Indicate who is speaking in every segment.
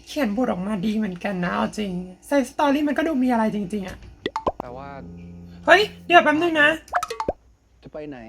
Speaker 1: เขียนบทออกมาดีเหมือนกันนะเอาจริงไซส์สตอรี่มันก็ดูมีอะไรจริงๆอะ
Speaker 2: แต่ว่า
Speaker 1: เฮ้ยเดี๋ยวแป๊บนึงนะ
Speaker 3: จะไปไหน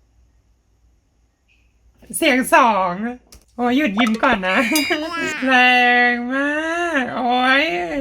Speaker 1: เสียงสองโอ้ยหยุดยิ้มก่อนนะ แรงมากโอ้ย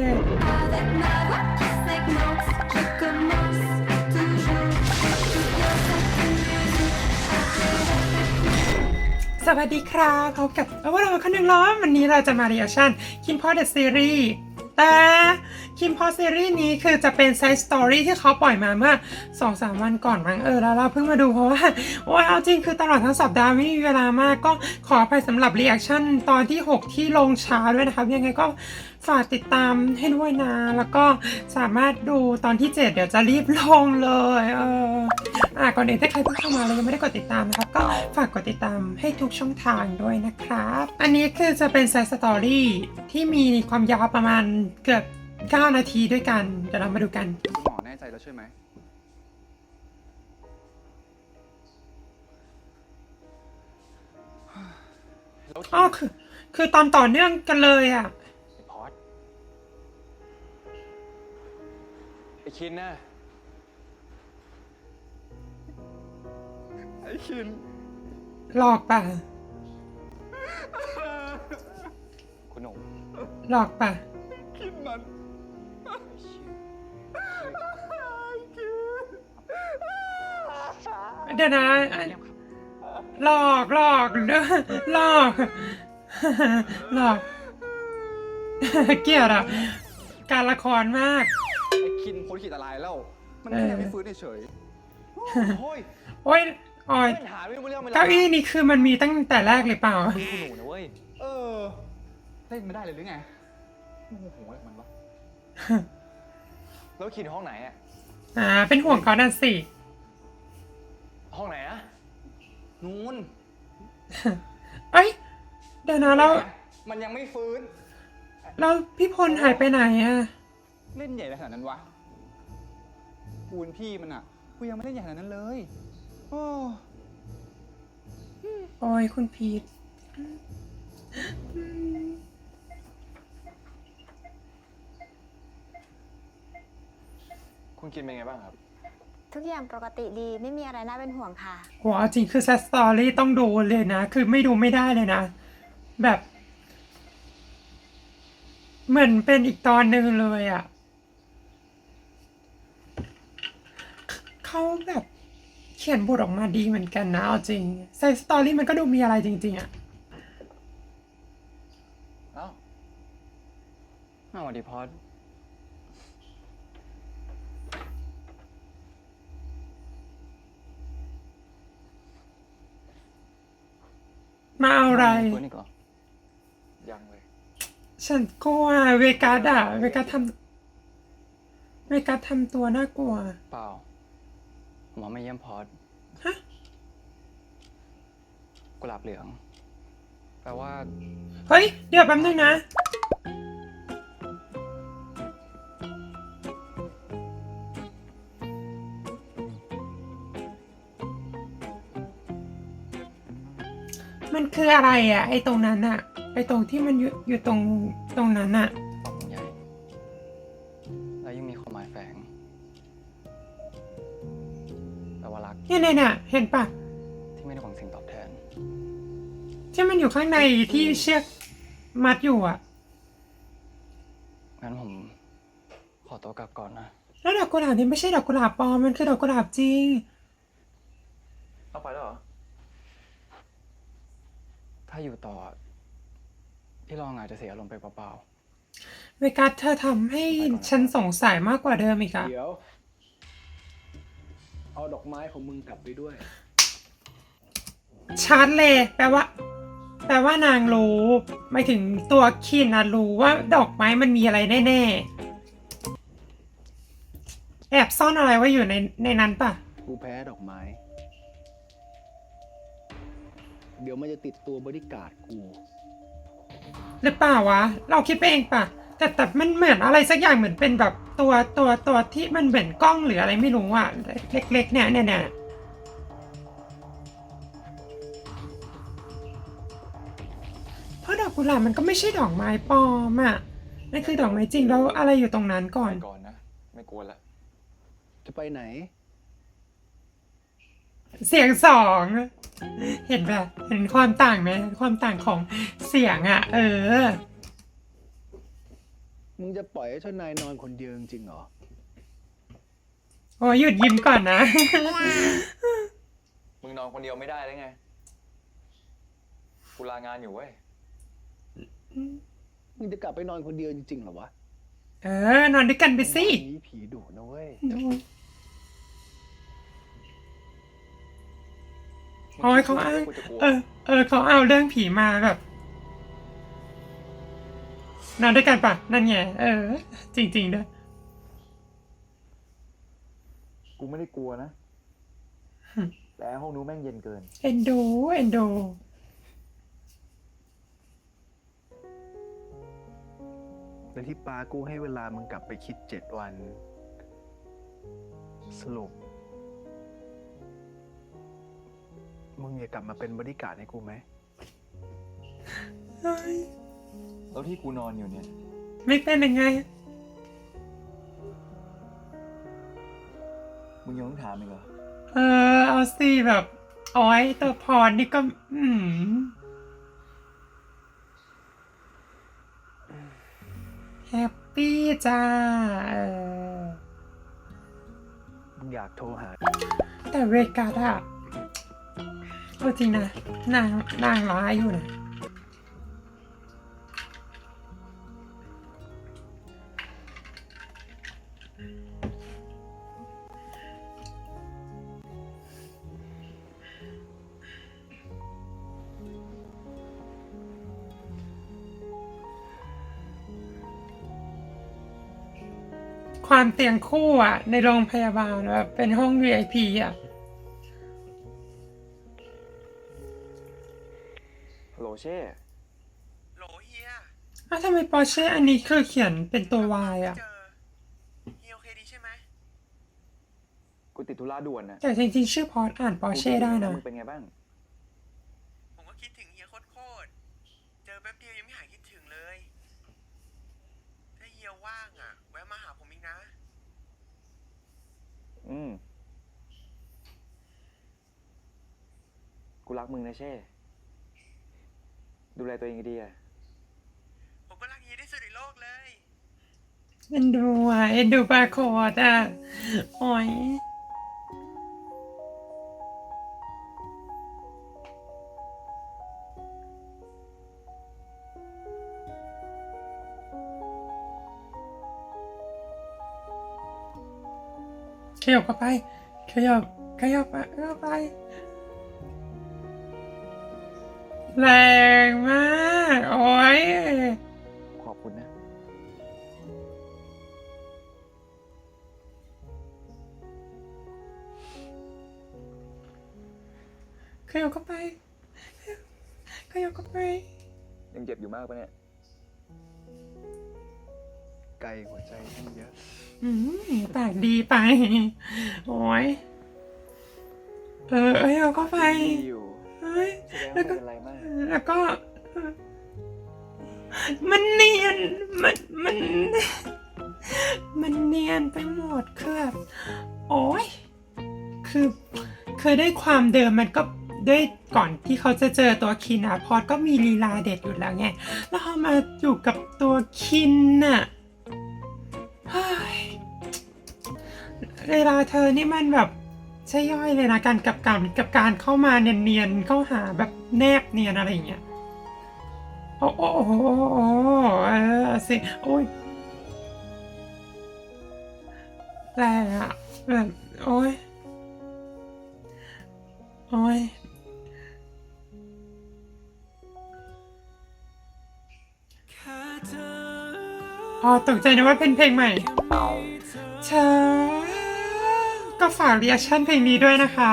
Speaker 1: สวัสดีครับพบกับว่าเราคนหนึ่งล้อวันนี้เราจะมา reaction คิมพอเดอะซีรีส์แต่คิมพอซีรีส์นี้คือจะเป็นไซส์สตอรี่ที่เขาปล่อยมาเมื่อ 2-3 วันก่อนมั้งแล้วเราเพิ่งมาดูเพราะว่าโอ้ยเอาจริงคือตลอดทั้งสัปดาห์ไม่มีเวลามากก็ขออภัยสำหรับ reaction ตอนที่ 6 ที่ลงช้าด้วยนะครับยังไงก็ฝากติดตามให้ด้วยนะแล้วก็สามารถดูตอนที่ 7เดี๋ยวจะรีบลงเลยก่อนอื่นถ้าใครเพิ่งเข้ามาแล้วยังไม่ได้กดติดตามนะครับก็ฝากกดติดตามให้ทุกช่องทางด้วยนะครับอันนี้คือจะเป็นไซส์สตอรี่ที่มีความยาวประมาณเกือบ9 นาทีด้วยกันเดี๋ยวเรามาดูกัน
Speaker 2: หมอแน่ใจแล้วใช่ไหม
Speaker 1: อ๋อคือตอนต่อเนื่องกันเลยอ่ะ
Speaker 2: ไอ้พอดไอ้คินน่ะไอ้คิน
Speaker 1: หลอกป่ะ
Speaker 2: คุณหนุ่ม
Speaker 1: หลอกป่ะ
Speaker 2: คินมัน
Speaker 1: เดี๋ยวนะหลอกหลอกหลอกเกลียดอ่ะการละครมาก
Speaker 2: ไอ้คินพ้นขีดอันตรายแล้วมันแค่ไม่ฟื้นเฉยโอ้ย
Speaker 1: โอ้ยอ๋อย
Speaker 2: หาไม่รู้เรื่องเวลา
Speaker 1: เก้าอี้นี่คือมันมีตั้งแต่แรกเลยเปล่า
Speaker 2: คุณหนูนะเว้ยเล่นไม่ได้เลยหรือไงโอ้โหมันวะแล้วคินห้องไหนอ่ะ
Speaker 1: เป็นห่วงเขานั่นสิ
Speaker 2: ห้องไหนอะนู้น
Speaker 1: เอ้ยเดี๋ยวนะแล้ว
Speaker 2: มันยังไม่ฟื้น
Speaker 1: แล้วพี่พลหายไปไหนอะ
Speaker 2: เล่นใหญ่ขนาดนั้นวะกูเป็นพี่มันอะกูยังไม่เล่นใหญ่ขนาดนั้นเลย
Speaker 1: โอ้ยคุณพีท
Speaker 2: คุณกินเป็นไงบ้างครับ
Speaker 4: ทุกอย่างปกติดีไม่มีอะไรน่าเป็นห่วงค่ะ
Speaker 1: โหจริงคือแซดสตอรี่ต้องดูเลยนะคือไม่ดูไม่ได้เลยนะแบบเหมือนเป็นอีกตอนหนึ่งเลยอ่ะเขาแบบเขียนบทออกมาดีเหมือนกันนะเอาจริงไซส์สตอรี่มันก็ดูมีอะไรจริงๆอ่ะ
Speaker 2: เอ้าสวัสดีพอด
Speaker 1: มาเอาอะไร
Speaker 2: ยังเลย
Speaker 1: ฉันกลัวเวกัสอะเวกัสทำตัวน่ากลัว
Speaker 2: เปล่าหมอมาเยี่ยมพอด
Speaker 1: ฮะ
Speaker 2: กุหลาบเหลืองแปลว่า
Speaker 1: เฮ้ยเดี๋ยวแป๊บนึงนะมันคืออะไรอ่ะไอ้ตรงนั้นอ่ะไอ้ตรงที่มันอยู่ตรงนั้นอ่ะ
Speaker 2: ปองใหญ่แล้วยังมีความหมายแฝงแปลว่ารัก
Speaker 1: เนี่ยเห็นปะ
Speaker 2: ที่ไม่ได้หวังสิ่งตอบแทน
Speaker 1: ที่มันอยู่ข้างในที่เชือกมัดอยู่อ่ะ
Speaker 2: งั้นผมขอตัวกลับก่อนนะ
Speaker 1: แล้วดอกกุหลาบนี่ไม่ใช่ดอกกุหลาบปลอมมันคือดอกกุหลาบจริง
Speaker 2: เอาไปแล้วเหรอถ้าอยู่ต่อพี่ลองอาจจะเสียอารมณ์ไปเปล่า
Speaker 1: ๆเวกัสเธอทำให้ฉันสงสัยมากกว่าเดิมอีกอะ
Speaker 3: เดี๋ยวเอาดอกไม้ของมึงกลับไปด้วย
Speaker 1: ชาร์จเลยแปลว่านางรู้ไม่ถึงตัวคินนะรู้ว่าดอกไม้มันมีอะไรแน่ๆแอบซ่อนอะไรไว้อยู่ในนั้นปะ
Speaker 3: กูแพ้ดอกไม้เดี๋ยวมันจะติดตัวบริการดกู
Speaker 1: หรือเปล่าวะเราคิดไปเองปะแต่มันเหมือนอะไรสักอย่างเหมือนเป็นแบบตัวที่มันเหมือนกล้องหรืออะไรไม่รู้อ่ะเล็กๆเนี่ยเพราะดอกกุหลาบมันก็ไม่ใช่ดอกไม้ปลอมอ่ะนั่นคือดอกไม้จริงแล้วอะไรอยู่ตรงนั้นก่อน
Speaker 5: ก่อนนะ ไม่กลัวละ
Speaker 3: จะไปไหน
Speaker 1: เสียงสองเห็นแบบเห็นความต่างไหมความต่างของเสียงอ่ะ
Speaker 3: มึงจะปล่อยให้เจ้านายนอนคนเดียวจริงๆเหรอ
Speaker 1: โอ้ยหยุดยิ้มก่อนนะ
Speaker 5: มึงนอนคนเดียวไม่ได้แล้วไง กูลางานอยู่เว้ย
Speaker 3: มึงจะกลับไปนอนคนเดียวจริงๆเหรอวะ
Speaker 1: นอนด้วยกันไปสิ
Speaker 3: มีผีดุนะเว้ย
Speaker 1: โอ้ยเขาอ้างเขาเอาเรื่องผีมาแบบ นอนด้วยกันปะนั่นไงจริงๆด้วย
Speaker 5: กูไม่ได้กลัวนะ แต่ห้องนู้นแม่งเย็นเกิน
Speaker 1: เอ็นดู
Speaker 3: และที่ปากูให้เวลามึงกลับไปคิด7 วัน สรุป มึงอยากกลับมาเป็นบริการดให้กูไหม
Speaker 5: แล้วที่กูนอนอยู่เนี่ย
Speaker 1: ไม่เป็นยังไง
Speaker 5: มึงยังต้องถามอีกเหรอ
Speaker 1: เอาสิแบบโอ้ยตัวพรนี่ก็แฮปปี้จ้า
Speaker 3: มึงอยากโทรหา
Speaker 1: แต่เวกัสอะเอาจริงนะนางร้ายอยู่นะ ความเตียงคู่อะในโรงพยาบาลแบบเป็นห้อง VIP อะ
Speaker 5: ฮัลโหลเช่
Speaker 6: โหลเฮีย
Speaker 1: ทำไมปอร์เช่อันนี้คือเขียนเป็นตัว Y อะ
Speaker 6: เจอเฮียโอเคดีใช่ไหม
Speaker 5: กูติดธุระด่วนนะ
Speaker 1: แต่จริงๆชื่อพอร์ตอ่านปอร์เช่ได้นะ
Speaker 5: มึงเป็นไงบ้าง
Speaker 6: ผมก็คิดถึงเฮียโคตรเจอแป๊บเดียวยังไม่หายคิดถึงเลย ถ้าเฮียว่างอ่ะ แวะมาหาผมอีกนะ
Speaker 5: กูรักมึงนะเช่ ดูแลตัวเองดีๆอะ
Speaker 6: ผมก็รักเฮียที่สุดในโลกเลย
Speaker 1: เอ็นดูอ่ะเอ็นดูปาโคดอ่ะโอ้ยขยับเข้าไปขยับไปแรงมากโอ้ย
Speaker 5: ขอบคุณนะ
Speaker 1: ขยับเข้าไป
Speaker 5: ยังเจ็บอยู่มากปะเนี่ย
Speaker 3: ไกลหัวใจที่เยอะ
Speaker 1: ปากดีไป โอ้ยเอาเข้าไป
Speaker 5: ดีอยู่
Speaker 1: เฮ้ย
Speaker 5: แสดงว่าไม่เป็นไรมาก
Speaker 1: แล้วก็ มันเนียน มันเนียนไปหมดคือแบบโอ้ยคือได้ความเดิมมันก็ด้วยก่อนที่เขาจะเจอตัวคินอะพอดก็มีลีลาเด็ดอยู่แล้วไง แล้วพอมาอยู่กับตัวคินน่ะเฮ้ยเวลาเธอนี่มันแบบใช่ย่อยเลยนะการกับการเข้ามาเนียนๆเข้าหาแบบแนบเนียนอะไรอย่างเงี้ยโอ้สิโอ้ยแรงอะแบบโอ้ยตกใจนะว่าเป็นเพลงใหม่เธอก็ฝากรีแอคชั่นเพลงนี้ด้วยนะคะ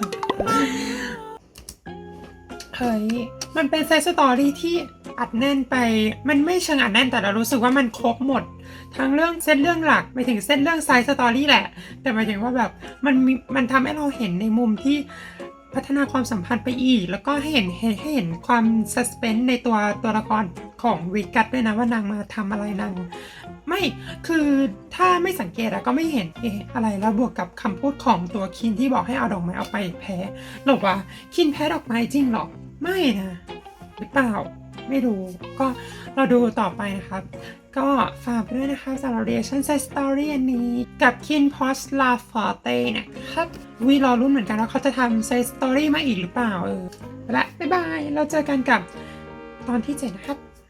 Speaker 1: เฮ้ย มันเป็นไซส์สตอรี่ที่อัดแน่นไป มันไม่เชิงอัดแน่นแต่เรารู้สึกว่ามันครบหมด ทั้งเรื่องเส้นเรื่องหลักไปถึงเส้นเรื่องไซส์สตอรี่แหละ แต่หมายถึงว่าแบบมันทำให้เราเห็นในมุมที่พัฒนาความสัมพันธ์ไปอีก แล้วก็ให้เห็นความซัสเพนส์ในตัวละครของวิกัตด้วยนะว่านางมาทำอะไรนางไม่คือถ้าไม่สังเกตอะก็ไม่เห็นอะไรแล้วบวกกับคำพูดของตัวคินที่บอกให้เอาดอกไม้เอาไปแพ้หรอวะคินแพ้ดอกไม้จริงหรอไม่นะหรือเปล่าไม่รู้ก็เราดูต่อไปนะครับก็ฝากไปด้วยนะคะสำหรับ reaction side story อันนี้กับ Kin Post La Forte นะครับวีรอรุ่นเหมือนกันว่าเขาจะทำ side story มาอีกหรือเปล่าไปละบ๊ายบายเราเจอกันกับตอนที่ 7 นะครับ